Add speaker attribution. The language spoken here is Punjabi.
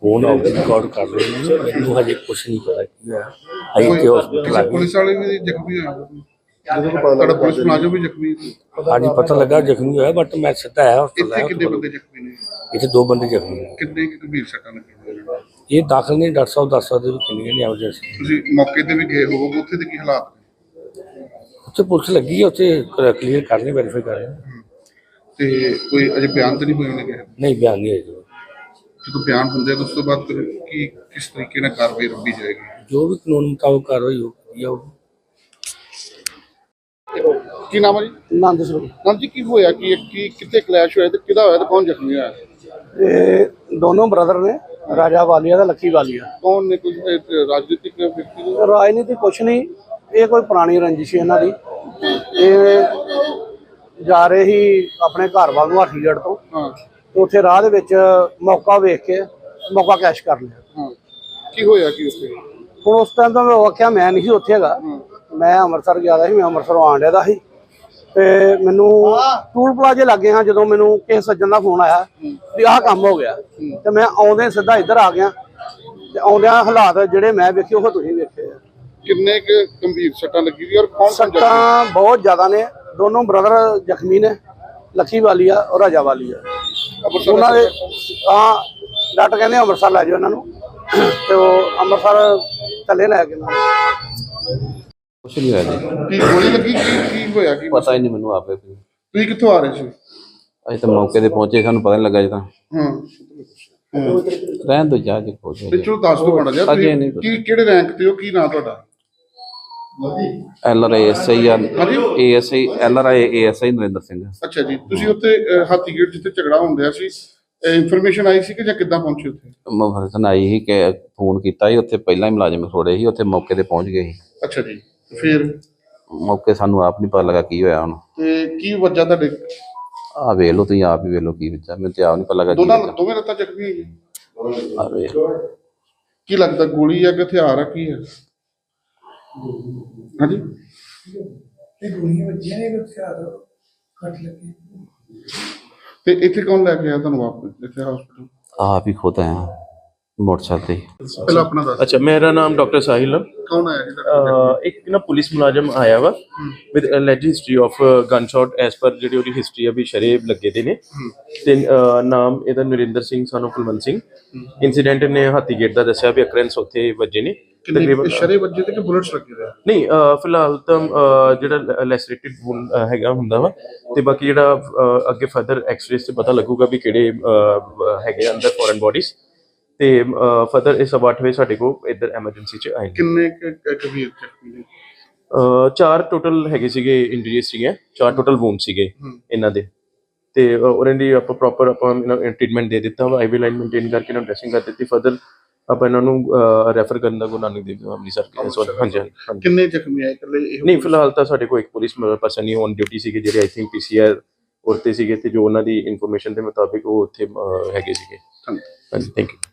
Speaker 1: फोन आउट रिकॉर्ड कर रहे हैं। मैनू हजे कुछ नहीं पता की है। अभी ते हॉस्पिटल आ गए।
Speaker 2: पुलिस वाले भी जख्मी होया, पुलिस मुलाजिम भी जख्मी
Speaker 1: हाँ जी पता लगा जख्मी होया बट मैं सीधा आया हॉस्पिटल
Speaker 2: इतने
Speaker 1: आया।
Speaker 2: कितने बंदे जख्मी ने?
Speaker 1: इतने 2 बंदे जख्मी ने।
Speaker 2: कितने गंभीर सट्टां लगियां?
Speaker 1: ये दाखिल नहीं डॉक्टर साहब दस सकते किन्नियां ने एमरजेंसी।
Speaker 2: ਤੁਸੀਂ ਮੌਕੇ ਤੇ ਵੀ ਗਏ ਹੋਵੋਗੇ, ਉੱਥੇ ਦੇ ਕੀ ਹਾਲਾਤ ਨੇ?
Speaker 1: उत्थे पुलिस लगी है, उत्थे क्लीयर कर रहे वेरीफाई कर रहे हैं।
Speaker 2: ਤੇ ਕੋਈ ਅਜੇ ਬਿਆਨ ਤਾਂ ਨਹੀਂ ਹੋਏ ਨੇ ਕਿ
Speaker 1: नहीं बयान नहीं है जो
Speaker 2: ਜਦੋਂ ਬਿਆਨ ਹੁੰਦੇ ਆ ਤਾਂ ਉਸ ਤੋਂ ਬਾਅਦ ਫਿਰ ਕੀ ਕਿਸ ਤਰੀਕੇ ਨਾਲ ਕਾਰਵਾਈ ਰੱਬੀ ਜਾਏਗੀ?
Speaker 1: जो भी कानून मुताबिक कार्रवाई होगी।
Speaker 2: ਕੀ ਨਾਮ ਹੈ ਜੀ?
Speaker 3: ਆਨੰਦ ਸਰੂਪ।
Speaker 2: ਨਾਮ ਜੀ ਕੀ ਹੋਇਆ ਕੀ ਕਿੱਥੇ ਕਲੈਸ਼ ਹੋਇਆ ਤੇ ਕਿਹਦਾ ਹੋਇਆ ਤੇ ਕੌਣ ਜ਼ਖਮੀ ਹੋਇਆ?
Speaker 3: ਇਹ ਦੋਨੋਂ ਬ੍ਰਦਰ ਨੇ, ਰਾਜਾ ਵਾਲੀਆ ਤੇ ਲੱਕੀ ਵਾਲੀਆ।
Speaker 2: ਕੌਣ ਨੇ? ਕੋਈ ਰਾਜਨੀਤਿਕ ਵਿਅਕਤੀ ਨੇ?
Speaker 3: ਰਾਜਨੀਤੀ ਕੁਛ ਨਹੀਂ, ਇਹ ਕੋਈ ਪੁਰਾਣੀ ਰੰਜਿਸ਼ ਹੈ ਇਹਨਾਂ ਦੀ। ਇਹ ਜਾ ਰਹੇ ਸੀ ਆਪਣੇ ਘਰ ਵੱਲ ਨੂੰ ਹਾਥੀਗੜ੍ਹ ਤੋਂ,
Speaker 2: ਹਾਂ
Speaker 3: ਤੇ ਉੱਥੇ ਰਾਹ ਦੇ ਵਿੱਚ ਮੌਕਾ ਵੇਖ ਕੇ ਮੌਕਾ ਕੈਸ਼ ਕਰ ਲਿਆ।
Speaker 2: ਹਾਂ ਕੀ ਹੋਇਆ ਕੀ ਉੱਥੇ?
Speaker 3: ਹੁਣ ਉਸ ਟਾਈਮ ਤਾਂ ਮੈਂ ਆਖਿਆ ਮੈਂ ਨਹੀਂ ਸੀ ਉੱਥੇ ਹੈਗਾ, ਮੈਂ ਅੰਮ੍ਰਿਤਸਰ ਗਿਆ ਦਾ ਸੀ, ਮੈਂ ਅੰਮ੍ਰਿਤਸਰੋਂ ਆਉਣ ਡਿਆ ਦਾ ਸੀ ਤੇ ਮੈਨੂੰ ਟੂਲ ਪਲਾਜ਼ੇ ਲੱਗੇ ਹਾਂ ਜਦੋਂ ਮੈਨੂੰ ਕਿਸੇ ਸੱਜਣ ਦਾ ਫੋਨ ਆਇਆ ਵੀ ਆਹ ਕੰਮ ਹੋ ਗਿਆ ਤੇ ਮੈਂ ਆਉਂਦੇ ਸਿੱਧਾ ਇੱਧਰ ਆ ਗਿਆ ਤੇ ਆਉਂਦਿਆਂ ਹਾਲਾਤ ਜਿਹੜੇ ਮੈਂ ਵੇਖੇ ਉਹ ਤੁਸੀਂ ਵੇਖੇ ਆ।
Speaker 2: ਕਿੰਨੇ ਕੁ ਗੰਭੀਰ ਸੱਟਾਂ ਲੱਗੀ ਦੀ ਔਰ ਕੌਣ
Speaker 3: ਸੱਟਾਂ ਬਹੁਤ ਜ਼ਿਆਦਾ ਨੇ, ਦੋਨੋਂ ਬ੍ਰਦਰ ਜ਼ਖਮੀ ਨੇ, ਲੱਕੀ ਵਾਲੀਆ ਔਰ ਰਾਜਾ ਵਾਲੀਆ। ਉਹਨਾਂ ਦੇ ਹਾਂ ਡਾਕਟਰ ਕਹਿੰਦੇ ਅੰਮ੍ਰਿਤਸਰ ਲੈ ਜਾਓ ਇਹਨਾਂ ਨੂੰ ਤੇ ਉਹ ਅੰਮ੍ਰਿਤਸਰ ਥੱਲੇ ਲੈ ਕੇ
Speaker 4: ਕੁਛ ਨਹੀਂ ਹੋਇਆ ਜੀ।
Speaker 2: ਕੀ ਗੋਲੀ ਲੱਗੀ ਕੀ ਹੋਇਆ ਕੀ?
Speaker 4: ਪਤਾ ਹੀ ਨਹੀਂ ਮੈਨੂੰ ਆਪੇ।
Speaker 2: ਤੁਸੀਂ ਕਿੱਥੋਂ ਆ ਰਹੇ ਸੀ?
Speaker 4: ਅਸੀਂ ਤਾਂ ਮੌਕੇ ਤੇ ਪਹੁੰਚੇ, ਸਾਨੂੰ ਪਤਾ ਨਹੀਂ ਲੱਗਾ ਜੀ। ਤਾਂ
Speaker 2: ਹਾਂ
Speaker 4: ਰਹਿਣ ਦੋ ਜਾ ਕੇ ਪਹੁੰਚੇ
Speaker 2: ਤੇ ਚਲੋ ਦੱਸ ਦੋ ਮਾੜਾ ਜਿਹਾ
Speaker 4: ਅਜੇ ਨਹੀਂ ਪਤਾ।
Speaker 2: ਕੀ ਕਿਹੜੇ ਰੈਂਕ ਤੇ ਹੋ? ਕੀ ਨਾਂ ਤੁਹਾਡਾ?
Speaker 4: LRI SI ASI LRI ASI Narendra Singh.
Speaker 2: ਅੱਛਾ ਜੀ, ਤੁਸੀਂ ਉੱਥੇ ਹਾਥੀਗੇਟ ਜਿੱਥੇ ਝਗੜਾ ਹੁੰਦਿਆ ਸੀ ਇਨਫੋਰਮੇਸ਼ਨ ਆਈ ਸੀ ਕਿ ਜਾਂ ਕਿੱਦਾਂ ਪਹੁੰਚੇ ਉੱਥੇ?
Speaker 4: ਮਫਸਨ ਆਈ ਸੀ ਕਿ ਫੋਨ ਕੀਤਾ ਸੀ, ਉੱਥੇ ਪਹਿਲਾਂ ਹੀ ਮੁਲਾਜ਼ਮ ਖੜੋੜੇ ਸੀ, ਉੱਥੇ ਮੌਕੇ ਤੇ ਪਹੁੰਚ ਗਏ ਸੀ।
Speaker 2: ਅੱਛਾ ਜੀ, ਫਿਰ
Speaker 4: ਮੌਕੇ ਸਾਨੂੰ ਆਪ ਨਹੀਂ ਪਤਾ ਲੱਗਾ ਕੀ ਹੋਇਆ ਹੁਣ।
Speaker 2: ਤੇ ਕੀ ਵਜ੍ਹਾ ਤੁਹਾਡੇ?
Speaker 4: ਆ ਵੇਖ ਲਓ ਤੁਸੀਂ ਆਪ ਹੀ ਵੇਖ ਲਓ ਕੀ ਵਿੱਚਾ, ਮੈਨੂੰ ਤੇ ਆਪ ਨਹੀਂ ਪਤਾ ਲੱਗਾ
Speaker 2: ਦੋਵੇਂ ਲੱਤਾਂ ਜ਼ਖਮੀ ਹੈਗੀਆਂ।
Speaker 4: ਆ ਵੇਖ
Speaker 2: ਕੀ ਲੱਗਦਾ ਗੋਲੀ ਆ ਕਿ ਹਥਿਆਰ ਆ ਕੀ ਹੈ? ਹਾਂਜੀ
Speaker 5: ਗੋਲੀਆਂ ਵੱਜੀਆਂ ਨੇ, ਹਥਿਆਰ ਕੱਟ ਲੱਗੇ।
Speaker 2: ਤੇ ਇੱਥੇ ਕੌਣ ਲੈ ਕੇ ਆਇਆ ਤੁਹਾਨੂੰ ਵਾਪਸ ਇੱਥੇ ਹਸਪੀਟਲ?
Speaker 4: ਆਪ ਹੀ ਖੁਦ ਆਇਆ मोटरसाइकिल ਤੇ।
Speaker 2: ਪਹਿਲਾਂ ਆਪਣਾ ਦੱਸ।
Speaker 6: अच्छा, मेरा नाम डॉक्टर साहिल है।
Speaker 2: ਕੌਣ ਆਇਆ ਜੀ ਤੁਹਾਡੇ?
Speaker 6: एक ना पुलिस मुलाजम आया वा with alleged history of gun shot age पर ਜਿਹੜੀ ਉਹਦੀ ਹਿਸਟਰੀ ਆ ਵੀ ਸ਼ਰੇਬ ਲੱਗੇ ਦੇ ਨੇ ਤੇ ਨਾਮ ਇਹਦਾ ਨਰਿੰਦਰ ਸਿੰਘ ਸਾਨੂੰ ਕੁਲਵੰਤ ਸਿੰਘ। ਇਨਸੀਡੈਂਟ ਨੇ ਹਾਥੀਗੇਟ ਦਾ ਦੱਸਿਆ ਵੀ ਅਕਰੈਂਸ ਉੱਥੇ ਵੱਜੇ ਨੇ
Speaker 2: ਤਕਰੀਬਨ ਸ਼ਰੇ ਵੱਜੇ ਤੇ ਕਿ ਬੁਲਟਸ ਲੱਗੇ ਹੋਏ?
Speaker 6: ਨਹੀਂ ਫਿਲਹਾਲ ਤਾਂ ਜਿਹੜਾ ਲੈਸਰੇਟਿਡ ਵੂਨ ਹੈਗਾ ਹੁੰਦਾ ਵਾ ਤੇ ਬਾਕੀ ਜਿਹੜਾ ਅੱਗੇ ਫਰਦਰ ਐਕਸ-ਰੇਸ ਤੇ ਪਤਾ ਲੱਗੂਗਾ ਵੀ ਕਿਹੜੇ ਹੈਗੇ ਅੰਦਰ ਫੋਰਨ ਬੋਡੀਜ਼ ਤੇ ਫਰਦਰ ਇਸ 8 ਵਜੇ ਸਾਡੇ ਕੋਲ ਇੱਧਰ ਐਮਰਜੈਂਸੀ ਚ ਆਏ।
Speaker 2: ਕਿੰਨੇ ਗੰਭੀਰ ਜ਼ਖਮੀ ਨੇ?
Speaker 6: 4 ਟੋਟਲ ਹੈਗੇ ਸੀਗੇ ਇੰਜਰੀਜ਼ ਸੀਗੇ, 4 ਟੋਟਲ ਵੂਨ ਸੀਗੇ ਇਹਨਾਂ ਦੇ ਤੇ ਉਹਨਾਂ ਦੀ ਆਪਾਂ ਪ੍ਰੋਪਰ ਆਪਾਂ ਟ੍ਰੀਟਮੈਂਟ ਦੇ ਦਿੱਤਾ ਵਾ। ਆਈਵੀ ਲਾਈਨ ਮੇਨਟੇਨ ਕਰਕੇ ਇਹਨਾਂ ਨੂੰ ਡਰੈਸਿੰਗ ਕਰ ਦਿੱਤੀ। ਫਰਦਰ ਆਪਾਂ ਇਹਨਾਂ ਨੂੰ ਰੈਫਰ ਕਰਨ ਦਾ ਗੁਰੂ ਨਾਨਕ ਦੇਵ ਅੰਮ੍ਰਿਤਸਰ। ਹਾਂਜੀ ਹਾਂਜੀ।
Speaker 2: ਕਿੰਨੇ ਜ਼ਖਮੀ ਆਏ ਇਕੱਲੇ?
Speaker 6: ਨਹੀਂ ਫਿਲਹਾਲ ਤਾਂ ਸਾਡੇ ਕੋਲ ਇੱਕ ਪੁਲਿਸ ਪਰਸਨ ਹੀ ਔਨ ਡਿਊਟੀ ਸੀਗੇ ਜਿਹੜੇ ਆਈ ਥਿੰਕ PCR ਉਰਤੇ ਸੀਗੇ ਤੇ ਜੋ ਉਹਨਾਂ ਦੀ ਇਨਫੋਰਮੇਸ਼ਨ ਦੇ ਮੁਤਾਬਿਕ ਉਹ ਉੱਥੇ ਹੈਗੇ ਸੀਗੇ। ਹਾਂਜੀ ਥੈਂਕ ਯੂ।